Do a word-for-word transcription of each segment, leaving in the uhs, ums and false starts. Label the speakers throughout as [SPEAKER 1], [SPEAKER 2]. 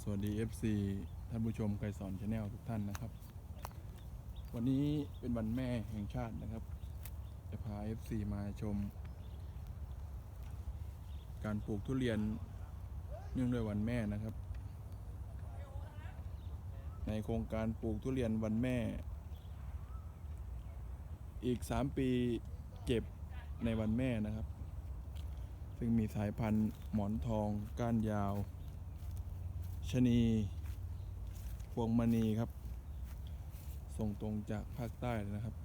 [SPEAKER 1] สวัสดี เอฟ ซี ท่านผู้ชมไกรสอน Channel ทุกท่านนะครับวันนี้เป็นวันแม่แห่งชาตินะครับจะพา เอฟ ซี มาชมการปลูกทุเรียนเนื่องด้วยวันแม่นะครับในโครงการปลูกทุเรียนวันแม่อีกสามปีเก็บในวันแม่นะครับซึ่งมีสายพันธุ์หมอนทองก้านยาวชะนีพวงมณีครับส่งตรงจากภาคใต้เลยนะครับ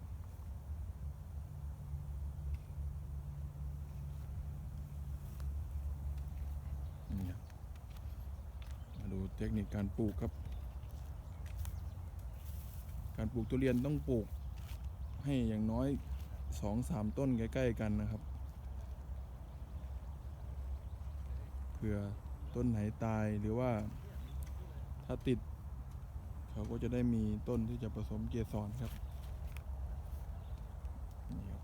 [SPEAKER 1] นี่ครับมาดูเทคนิคการปลูกครับการปลูกทุเรียนต้องปลูกให้อย่างน้อย สองสาม ต้นใกล้ๆกันนะครับเผื่อต้นไหนตายหรือว่าถ้าติดเขาก็จะได้มีต้นที่จะผสมเกสรครับนี่ครับ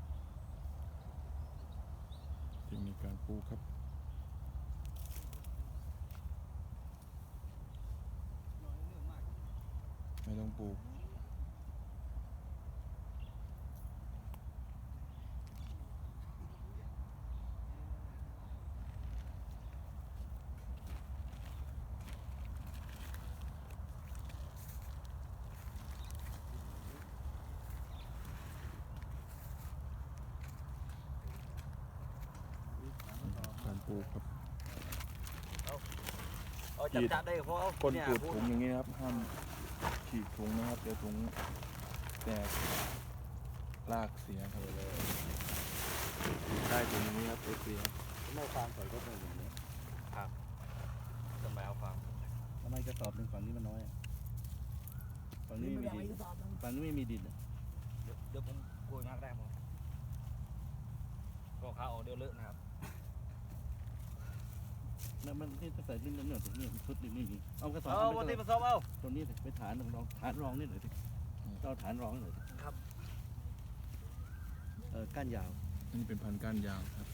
[SPEAKER 1] เทคนิคการปลูกครับไม่ต้องปลูกการปลูกครับฉีดก้นปูดถุงอย่างนี้นะครับห้ามฉีดถุงนะครับเดี๋ยวถุงแตกรากเสียครับฉีดได้ถุงอย่างนี้ครับเอฟซีไม่ฟางใส่ก็เป็นอย่างนี้ครับต้นไม้เอาฟางทำไมกระสอบหนึ่งฝั่งนี้มันน้อยฝั่งนี้ไม่มีดินฝั่งนี้ไม่มีดินเดี๋ยวผมกลัวนักได้ผมก็ขาออกเดี๋ยวเลอะนะครับนั่นมันที่ใส่ดินนั่นหน่อยนี่ชุดนี่นี่เอากระสอบเอาวันที่ผสมเอาตัวนี้ไปฐานรองฐานรองนี่หน่อยสิเราฐานรองหน่อยครับเออก้านยาวนี่เป็นพันธุ์ก้านยาวครับ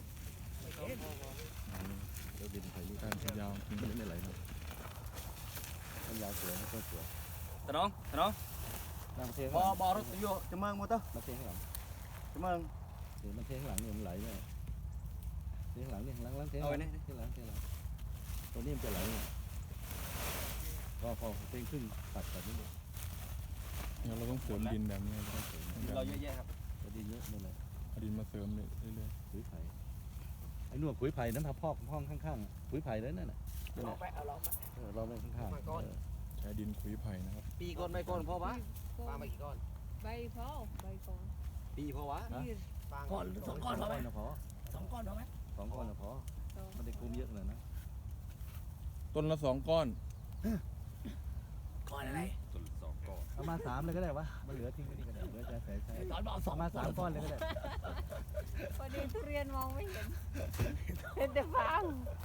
[SPEAKER 1] เดี๋ยวดินใส่ก้านยาวทิ้งไม่ไหลครับก้านยาวสวยไม่ค่อยสวยตะน้องตะน้องบอบอรถโยจะเมืองหมดเต้อมาเทข้างหลังจะเมืองเดี๋ยวมันเทข้างหลังเนี่ยมันไหลเนี่ยเทข้างหลังนี่ข้างหลังหลังเทข้างหลังเทข้างหลังเทข้างหลังตัวนี้มันจะไหลเนี่ยพอพอเทขึ้นตัดตัดนิดนึงเราต้องเสริมดินแบบนี้เราเยอะแยะครับดินเยอะนี่แหละเอาดินมาเสริมเรื่อยๆปุ๋ยไผ่ไอ้หนวดปุ๋ยไผ่นั้นทำพอกห้องข้างๆปุ๋ยไผ่แล้วนั่นแหละลองไปเอาลองมาเออลองไปข้างๆใช้ดินปุ๋ยไผ่นะครับปีก้อนใบก้อนพอปะปามากี่ก้อนใบพอใบก้อนปีพอวะก้อนสองก้อนพอไหมพอสองก้อนพอไหมสองก้อนพอมันได้คุมเยอะเลยนะต้นละสองก้อนก้อนอะไรต้นสองก้อนเอามาสามเลยก็ได้วะมันเหลือทิ้งไว้นี่ก็ได้เหลือจะใส่ใส่ตอนบอกสองมาสามก้อนเลยก็ได้
[SPEAKER 2] พอดีทุเรียนมองไม่เห็นเห็นแต่ฟาง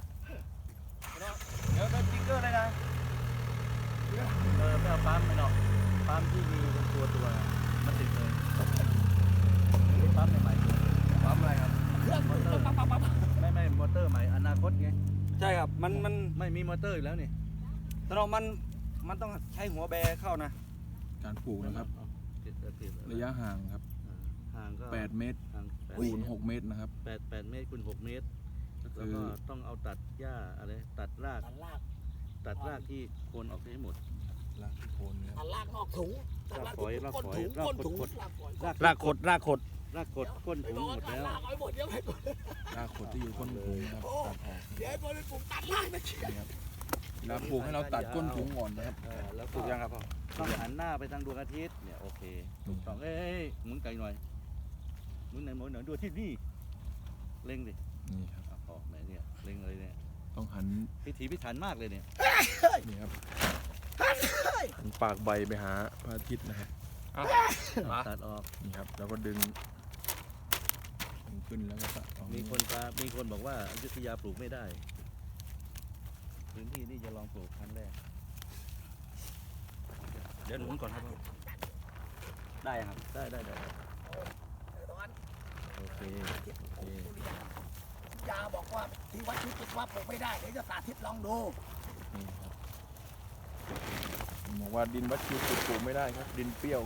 [SPEAKER 3] เดี๋ยวเป็นสติ๊กเกอร์เลยนะ
[SPEAKER 1] เออไม่เอาปั๊มไม่หรอกปั๊มที่มีเป็นตัวตัวมันติดเลยนี่ปั๊มใหม่ๆปั๊มอะไรครับมอเตอร์ไม่ไม่มอเตอร์ใหม่อนาคตไง
[SPEAKER 3] ใช่ครับมันมัน
[SPEAKER 1] ไม่มีมอเตอร์อีกแล้วนี่
[SPEAKER 3] แต่เรามันมันต้องใช้หัวแบเข้านะ
[SPEAKER 1] การปลูกนะครับระยะห่างครับ
[SPEAKER 3] ห่างก็
[SPEAKER 1] แปดเมตรคูณหกเมตรนะครับ
[SPEAKER 3] แปดแปดเมตรคูณหกเมตรแล้วก็ต้องเอาตัดหญ้าอะไรตัดรากตัดรากที่โคนออกให้หมด
[SPEAKER 1] รากที่โคนเนี่ย
[SPEAKER 4] รากนอกถุง
[SPEAKER 3] รากฝอยรากฝอยรากขด
[SPEAKER 1] รากขดรากขด
[SPEAKER 3] รากขดก้นถุงหมดแล้ว
[SPEAKER 4] รากไว้หมดเดี๋ยวให้หมด
[SPEAKER 1] รากขดที่อยู่ก้นถุงครับตัดออก
[SPEAKER 4] เดี๋ยวให้บริปลูกตัดรากนะเชียว
[SPEAKER 1] แล้วปลูกให้เราตัดก้นถุงก่อนนะครับ
[SPEAKER 3] แล้วปลูกยังครับพ่อต้องหันหน้าไปทางดวงอาทิตย์เนี่ยโอเคถูกต้องเอ้ยหมุนไกลหน่อยหมุนไหนหมุนไหนดวงอาทิตย์นี่เล็งดิ
[SPEAKER 1] นี่ครับ
[SPEAKER 3] พ่อไหนเนี่ยเล็งเลยเนี่ย
[SPEAKER 1] ต้องหัน
[SPEAKER 3] พิถีพิถันมากเลยเนี่ย
[SPEAKER 1] นี่ครับหันปากใบไปหาพระอาทิตย์นะครับ
[SPEAKER 3] ตัดออก
[SPEAKER 1] นี่ครับแล้วก็ดึงดึงขึ้นแล้วก็ตัดออก
[SPEAKER 3] มีคนปลามีคนบอกว่าอยุธยาปลูกไม่ได้พื้นที่นี่จะลองปลูกครั้งแรกเดี๋ยวหนุนก่อนครับได้ครับได้ได้ได้โอเคโอเค
[SPEAKER 4] ยาบอกว่าที่วัดที่จุดว่าปลูกไม่ได้เดี๋ยวจะสาธิตลองดู
[SPEAKER 1] นี่ครับ
[SPEAKER 5] บอกว่าดินวัดคิวปลูกไม่ได้ครับ ดินเปรี้ยว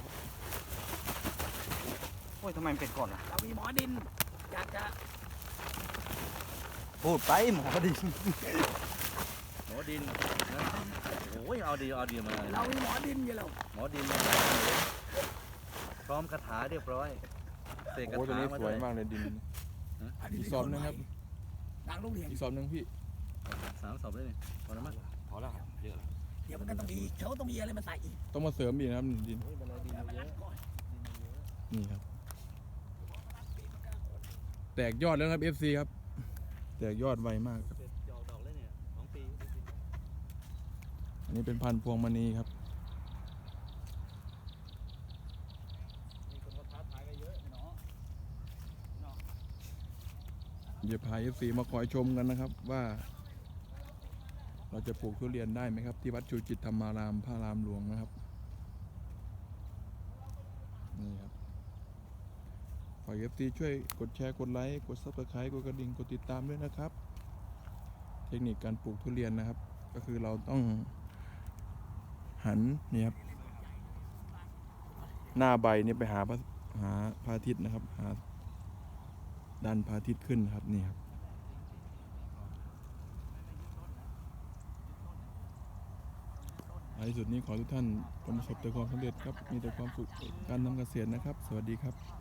[SPEAKER 1] โอ้ยทำไมมันเป็นก่อนล่ะ
[SPEAKER 4] เรามีหมอดินอยากจะ
[SPEAKER 1] พูดไปหมอดิ
[SPEAKER 3] หมอดินนะโอ้ยเอาดีเอาดีมาเลย
[SPEAKER 4] เรามีหมอดินอยู่แล้ว
[SPEAKER 3] หมอดินพร้อมคาถาเรียบร้อยเสกคา
[SPEAKER 5] โอ้ตัว
[SPEAKER 3] ถา
[SPEAKER 5] นี้
[SPEAKER 3] มา
[SPEAKER 5] ส
[SPEAKER 3] ด้
[SPEAKER 5] ว
[SPEAKER 3] วย ย
[SPEAKER 5] มากเลยดิน
[SPEAKER 4] อัน
[SPEAKER 5] อี
[SPEAKER 4] นี้
[SPEAKER 5] กซอมนึงครับ
[SPEAKER 4] ดังโรงเรียน
[SPEAKER 5] อีกซอมนึงพี่
[SPEAKER 3] สามสอบเลยนี่พอแล้วมั้ง
[SPEAKER 1] พอแล้วเยอะ
[SPEAKER 4] เดี๋ยวมันก็ต้องมีเขาต้องมีอะไรมาใส่อีก
[SPEAKER 5] ต้องมาเสริมอีกนะครับดิน
[SPEAKER 4] เดี๋ยวมันรัดก่อน
[SPEAKER 5] นี่ครับ แตกยอดแล้วครับ เอฟ ซี ครับ แตกยอดไวมากครับ
[SPEAKER 3] เสร็จจะออกดอกเลยเนี่ยสองปี
[SPEAKER 5] อันนี้เป็นพันธุ์พวงมณีครับ
[SPEAKER 3] มีคนมาท้าทายกันเยอะเนาะ
[SPEAKER 5] เดี๋ยวพา เอฟ ซี มาคอยชมกันนะครับ ว่า เราจะปลูกทุเรียนได้ไหมครับ ที่วัดชูจิตธรรมารามพระรามหลวงนะครับ นี่ครับฝาก เอฟ ซี ช่วยกดแชร์กดไลค์กด ซับสไครบ์ กดกระดิ่งกดติดตามด้วยนะครับ เทคนิคการปลูกทุเรียนนะครับ ก็คือเราต้องหันนี่ครับ หน้าใบนี่ไปหาพระหาพระอาทิตย์นะครับ หาดันพระอาทิตย์ขึ้นครับนี่ครับในที่สุดนี้ขอทุกท่านจงประสบแต่ความสำเร็จครับ มีแต่ความสุขการทำเกษตรนะครับ สวัสดีครับ